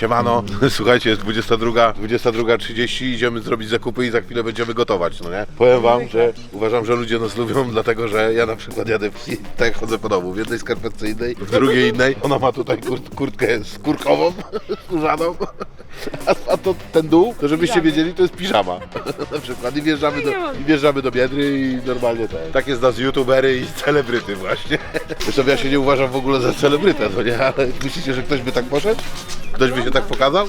Siemano, słuchajcie, jest 22:30, idziemy zrobić zakupy i za chwilę będziemy gotować, no nie? Powiem wam, że uważam, że ludzie nas lubią, dlatego że ja na przykład jadę, tak jak chodzę po domu, w jednej skarpetce innej, w drugiej innej. Ona ma tutaj kurtkę skórkową, skórzaną, a to ten dół, to żebyście wiedzieli, to jest piżama na przykład i wjeżdżamy do Biedry i normalnie tak jest nas youtubery i celebryty właśnie. Zresztą ja się nie uważam w ogóle za celebrytę, no nie? Ale myślicie, że ktoś by tak poszedł? Ktoś by się tak pokazał?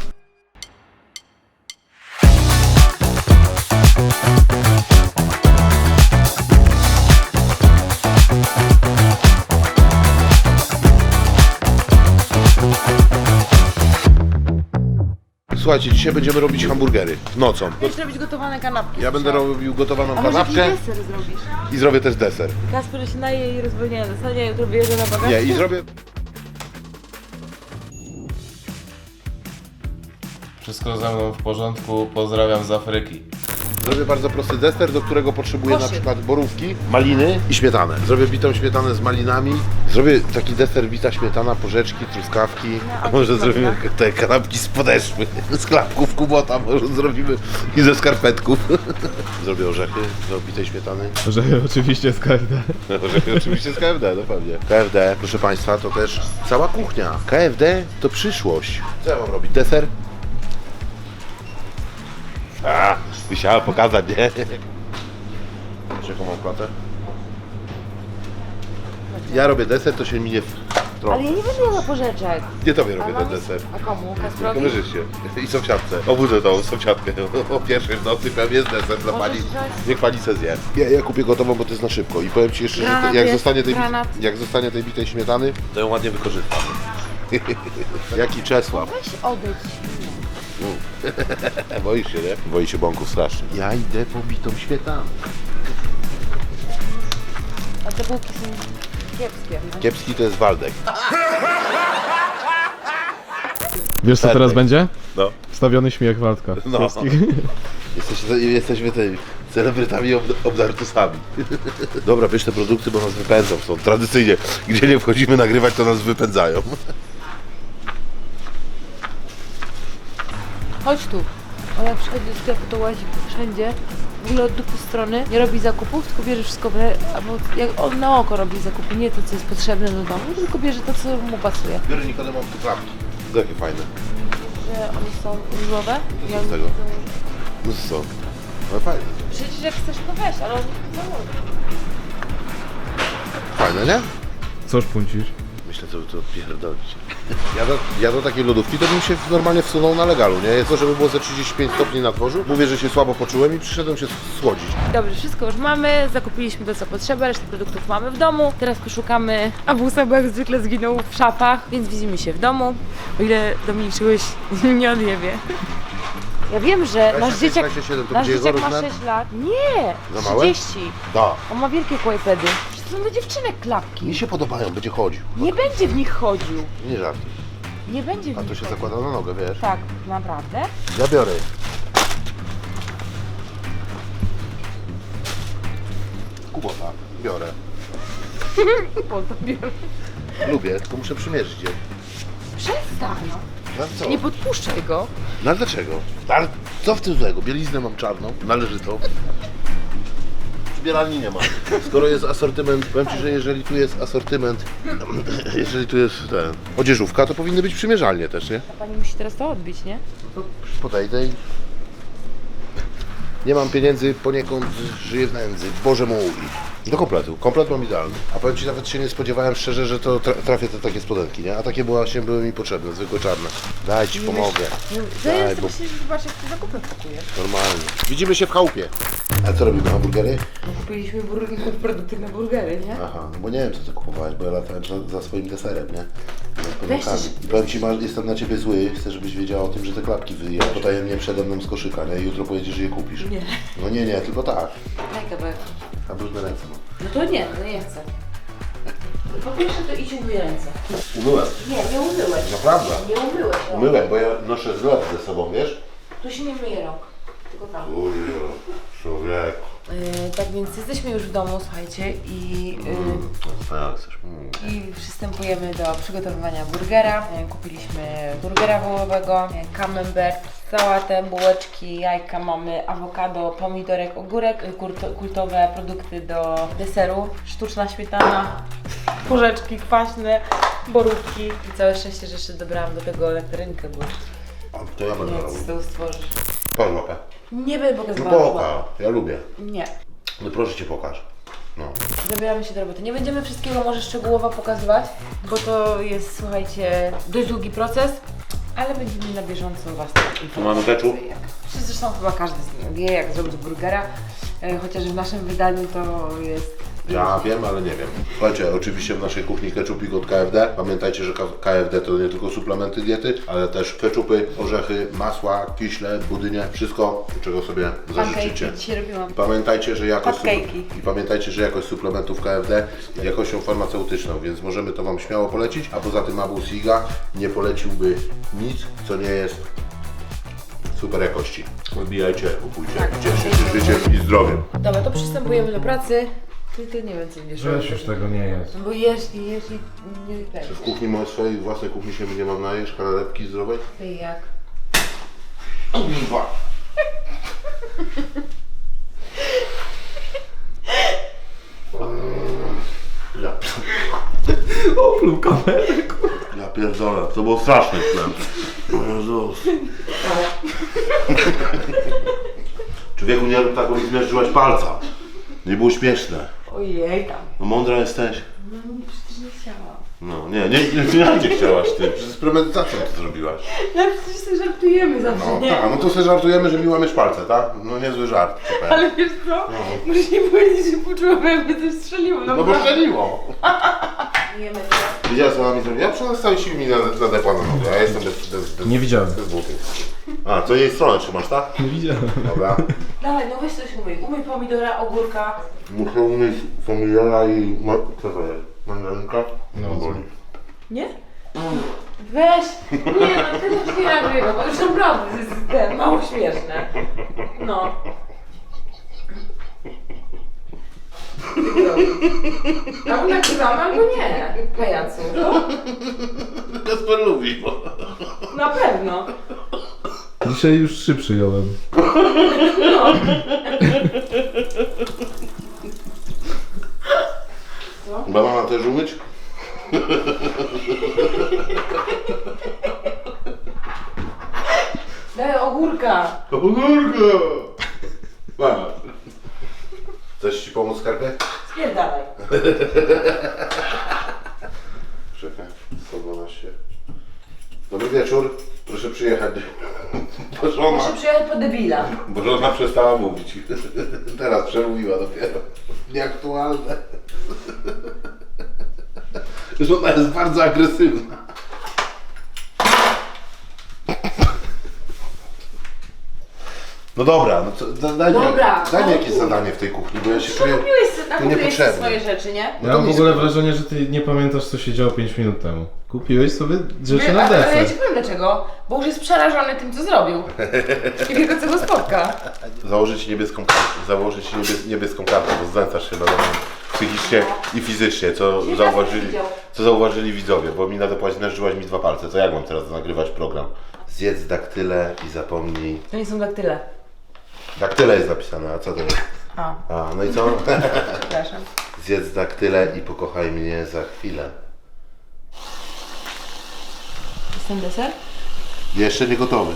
Słuchajcie, dzisiaj będziemy robić hamburgery nocą. Będziesz robić gotowane kanapki. Ja będę robił gotowaną A może kanapkę jakiś deser zrobisz? i zrobię też deser. Kasper się naje i rozwolnienia dostanie, jutro wyjeżdża na bagażku. Nie, i zrobię... Wszystko ze mną w porządku, pozdrawiam z Afryki. Zrobię bardzo prosty deser, do którego potrzebuję na Koszyk. przykład borówki, maliny i śmietanę. Zrobię bitą śmietanę z malinami. Zrobię taki deser bita śmietana, porzeczki, truskawki. A może zrobimy te kanapki z podeszwy, z klapków kubota może zrobimy i ze skarpetków. Zrobię orzechy do bitej śmietany. Że oczywiście z KFD. Orzechy oczywiście z KFD, no pewnie. KFD, proszę Państwa, to też cała kuchnia. KFD to przyszłość. Co ja mam robić? Deser? Musiałem pokazać, nie? Wiesz, jaką mam platę? Ja robię deser, to się minie w trochę. Ale ja nie będę jadła porzeczek. Nie tobie robię A ten mam- deser. A komu? Kasprowi? Kamerzyście i sąsiadce. Obudzę tą sąsiadkę o pierwszej w nocy, powiem, jest deser dla pani. wziąć? Niech pani se zje. Ja kupię gotową, bo to jest na szybko. I powiem ci jeszcze, że Granat jak jest, zostanie, granat. jak zostanie tej bitej śmietany, to ją ładnie wykorzystam. Jaki Czesław. Weź odejdź. Boisz się, nie? Boi się bąków strasznie. Ja idę po bitą śmietanę. A te bułki są kiepskie. Kiepski to jest Waldek. Wiesz co teraz będzie? No. Wstawiony śmiech Waldka. No. Polskich. Jesteśmy tymi celebrytami obdartusami. Dobra, bierz te produkty, bo nas wypędzą stąd. Tradycyjnie, gdzie nie wchodzimy nagrywać, to nas wypędzają. Chodź tu. Ona przychodzi do sklepu, to łazi wszędzie. W ogóle od dupy strony. Nie robi zakupów, tylko bierze wszystko, albo jak on na oko robi zakupy, nie to, co jest potrzebne do domu, tylko bierze to, co mu pasuje. Biorę Nikodem mam tu klapki. Jakie fajne. Że one są różowe. Co z tego? No co? No fajne. Przecież jak chcesz, to weź, ale oni to założą. Fajne, nie? Coż puncisz? Myślę, co by to odpierdolić. Ja do takiej lodówki to bym się normalnie wsunął na legalu, nie? Jest to, żeby było ze 35 stopni na dworzu. Mówię, że się słabo poczułem i przyszedłem się słodzić. Dobrze, wszystko już mamy, zakupiliśmy to, co potrzeba, resztę produktów mamy w domu. Teraz poszukamy, a Busa, bo jak zwykle zginął w szafach, więc widzimy się w domu. O ile Dominik czegoś nie odjebie. Ja wiem, że nasz 26, dzieciak, 27, to nasz gdzie dzieciak jego ma rozmiar? 6 lat. Nie, Za małe? 30. Da. On ma wielkie kłajpedy. Przecież to są dla dziewczynek klapki. Mi się podobają, będzie chodził. Nie będzie w nich chodził. Nie żartuj. Nie będzie w A nich to się chodził. zakłada na nogę, wiesz? Tak, naprawdę? Ja biorę. Kubota. Biorę. Po to biorę. Lubię, tylko muszę przymierzyć je. Przestań. No co? Nie podpuszczaj go. No ale dlaczego? Ale co w tym złego? Bieliznę mam czarną, należytą. Zbieralni nie ma. Skoro jest asortyment, powiem Ci, że jeżeli tu jest asortyment, jeżeli tu jest odzieżówka, to powinny być przymierzalnie też, nie? A pani musi teraz to odbić, nie? To podejdę i... Nie mam pieniędzy, poniekąd żyję w nędzy. Boże mój. Do kompletu. Komplet mam idealny. A powiem Ci, nawet się nie spodziewałem szczerze, że to trafię te takie spodenki, nie? A takie właśnie były mi potrzebne, zwykłe czarne. Daj Ci, pomogę. Zaraz bo- myślisz, że zobacz, jak ty zakupy pakujesz. Normalnie. Widzimy się w chałupie. A co robimy, hamburgery? No kupiliśmy produkty na burgery, nie? Aha, no bo nie wiem, co ty kupowałeś, bo ja latałem za swoim deserem, nie? Z Weź podłogami. coś- Powiem Ci, jestem na Ciebie zły, chcę, żebyś wiedziała o tym, że te klapki wyjęłaś potajemnie przede mną z koszyka, nie? I jutro pojedziesz i je kupisz. Nie. No nie, tylko tak. Daj kawałek. A brudne ręce mam. No to nie, no nie chcę. Po pierwsze to idź umyj ręce. Umyłem. Nie umyłeś. Naprawdę. Nie umyłeś. No. Umyłem, bo ja noszę zlot ze sobą, wiesz? Tu się nie myje rąk. Tylko tam. Ujo, człowieku. Tak więc jesteśmy już w domu, słuchajcie, i przystępujemy do przygotowywania burgera. Kupiliśmy burgera wołowego, camembert, sałatę, bułeczki, jajka, mamy awokado, pomidorek, ogórek, kultowe produkty do deseru, sztuczna śmietana, porzeczki kwaśne, borówki i całe szczęście, że jeszcze dobrałam do tego elektrynkę, bo To ja będę nie robił. wiem, co z tego stworzysz. Pokaż mapę. Nie będę No pokazywała. pokaż, ja lubię. Nie. No proszę cię pokaż. No. Zabieramy się do roboty. Nie będziemy wszystkiego może szczegółowo pokazywać, bo to jest, słuchajcie, dość długi proces, ale będziemy na bieżąco Was Tu mamy ketchup. Zresztą chyba każdy z nich wie, jak zrobić burgera, chociaż w naszym wydaniu to jest... Ja wiem, ale nie wiem. Słuchajcie, oczywiście w naszej kuchni ketchupik od KFD. Pamiętajcie, że KFD to nie tylko suplementy diety, ale też ketchupy, orzechy, masła, kiśle, budynie, wszystko, czego sobie zażyczycie. Pancake dzisiaj robiłam. I pamiętajcie, że Cupcake'i. jakość suplementów KFD jest jakością farmaceutyczną, więc możemy to Wam śmiało polecić, a poza tym Abu Siga nie poleciłby nic, co nie jest super jakości. Odbijajcie, kupujcie, Tak. cieszcie się życiem i zdrowiem. Dobra, to przystępujemy do pracy. Tylko nie wiem, co będziesz Weź już tego nie jest. Bo jesz i nie Czy w kuchni swojej własnej kuchni się nie mam najesz, kanalepki zdrowej? Ty jak? Kurwa! Opluł kamerę. Ja pierdolę, to było straszne chleb. Jezus. Człowieku, nie rób tak, bo mi zmierzyłaś palca. Nie było śmieszne. Ojej tam. No mądra jesteś. No przecież nie chciałam. No nie chciałaś ty. Przez premedytacją to zrobiłaś. No przecież sobie żartujemy zawsze, No nie? tak, no to sobie żartujemy, że mi łamiesz palce, tak? No niezły żart. Super. Ale wiesz co? Muszę nie powiedzieć, że poczułam, jakby coś strzeliło. No bo szczeliło. Jemy to. Widziałeś, co ona mi zrobiła? Ja przez całe siły mi nadepła na nogę, ja jestem bez Nie widziałem. bez butów. A, co jej stronę trzymasz, tak? Nie widziałem. Dobra. Dawaj, no weź coś umyj. Umyj pomidora, ogórka. Muszę umyć pomidora i... Co to jest? Mandarynka? No, boli. Nie? Weź! Nie no, ty już nie nagrywa, bo już naprawdę to jest ten, mało śmieszne. No. Albo nagrywamy, albo nie. Pajacu. Kasper lubi, bo... Na pewno. Dzisiaj już 3 przyjąłem. Banana też umyć? Daj ogórka. Ogórka! Masz. Chcesz ci pomóc, skarbie? Spierdalaj. Czekaj, 112. Dobry wieczór, proszę przyjechać. Muszę przyjechać po debila. Bo żona przestała mówić. Teraz przemówiła dopiero. Nieaktualne. Żona jest bardzo agresywna. No dobra, no co, daj mi jakieś zadanie w tej kuchni, bo ja się czuję... Kupiłeś sobie, to kupiłeś niepotrzebne. swoje rzeczy, nie? Ja mam w ogóle wrażenie, że ty nie pamiętasz, co się działo 5 minut temu. Kupiłeś sobie rzeczy na Ale ja deser. ci powiem dlaczego. Bo już jest przerażony tym, co zrobił. I wie go, co go spotka. Założyć niebieską kartę, bo znęcasz się nade mną psychicznie i fizycznie, co zauważyli widzowie, bo mi nadepłaś, zmierzyłaś mi 2 palce, to jak mam teraz nagrywać program? Zjedz daktyle i zapomnij... To nie są daktyle. Daktyle jest napisane, a co to jest? A, A, no i co? przepraszam. Zjedz daktyle i pokochaj mnie za chwilę. Jest ten deser? Jeszcze nie gotowy.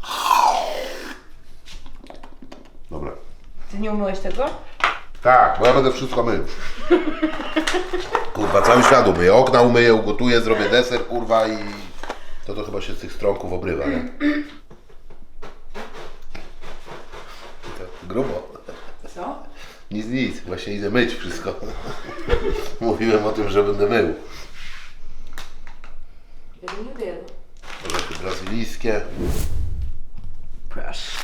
Dobra. Ty nie umyłeś tego? Tak, bo ja będę wszystko mył. Kurwa, cały świat umyję. Okna umyję, ugotuję, zrobię deser, kurwa i... To chyba się z tych stronków obrywa, nie? Grubo. Co? Nic, właśnie idę myć wszystko. Mówiłem o tym, że będę mył. Jeden. Orzechy brazylijskie. Proszę.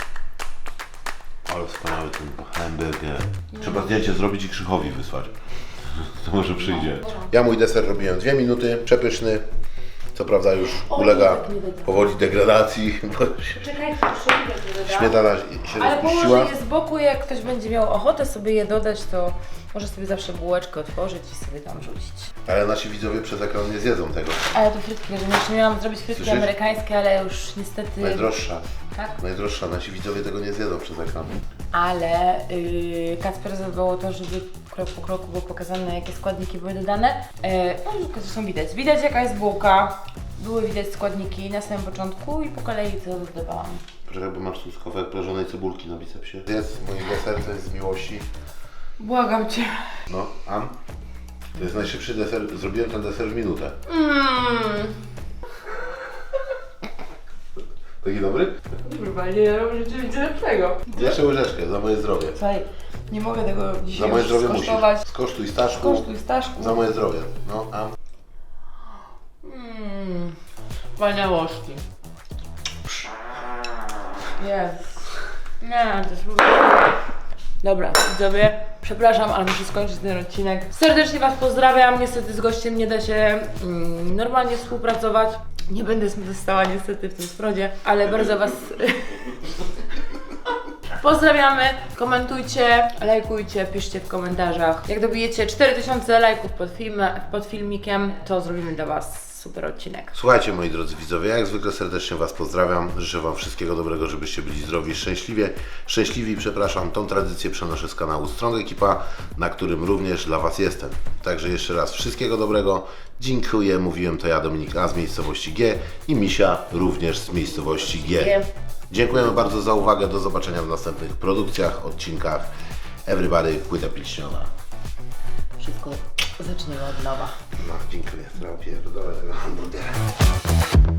Ale wspaniały ten hamburger. Trzeba zdjęcie zrobić i Krzychowi wysłać. To może przyjdzie. Ja mój deser robiłem 2 minuty, przepyszny. Co prawda już O, ulega tak nie dodam. powoli degradacji, bo Czekaj, proszę, śmietana się ale rozpuściła. położę je z boku, jak ktoś będzie miał ochotę sobie je dodać, to może sobie zawsze bułeczkę otworzyć i sobie tam rzucić. Ale nasi widzowie przez ekran nie zjedzą tego. Ale to frytki, że jeszcze miałam zrobić frytki Słyszysz? amerykańskie, ale już niestety... Najdroższa. Tak? Najdroższa. Nasi widzowie tego nie zjedzą przez ekran. Ale Kacper zadbał o to, żeby krok po kroku było pokazane, jakie składniki były dodane. No, zresztą widać. Widać, jaka jest bułka. Były widać składniki na samym początku i po kolei to dodawałam. Poczekaj, bo masz tu kawałek prażonej cebulki na bicepsie. Jest mój deser, to jest z miłości. Błagam Cię. No, An? To jest najszybszy deser. Zrobiłem ten deser w minutę. Taki dobry? Kurwa, nie robię rzeczywiście lepszego. Jeszcze łyżeczkę, za moje zdrowie. Słuchaj, nie mogę tego Za dzisiaj moje już zdrowie musisz. skosztować. Skosztuj, Staszku. Kosztuj, Staszku. Za moje zdrowie. No, An? Wspaniałości. Jest. Nie, to jest po prostu... Dobra, widzowie, przepraszam, ale muszę skończyć ten odcinek. Serdecznie Was pozdrawiam. Niestety z gościem nie da się normalnie współpracować. Nie będę została niestety w tym sprodzie, ale bardzo Was pozdrawiamy. Komentujcie, lajkujcie, piszcie w komentarzach. Jak dobijecie 4000 lajków pod filmikiem, to zrobimy dla Was super odcinek. Słuchajcie, moi drodzy widzowie, jak zwykle serdecznie Was pozdrawiam. Życzę Wam wszystkiego dobrego, żebyście byli zdrowi i szczęśliwi. Przepraszam, tą tradycję przenoszę z kanału Strong Ekipa, na którym również dla Was jestem. Także jeszcze raz wszystkiego dobrego. Dziękuję, mówiłem to ja, Dominik A z miejscowości G i Misia również z miejscowości G. Dziękujemy bardzo za uwagę. Do zobaczenia w następnych produkcjach, odcinkach. Everybody, płyta pilśniowa. Wszystko zaczniemy od nowa. No, dziękuję. Pierdolę tego hamburgera.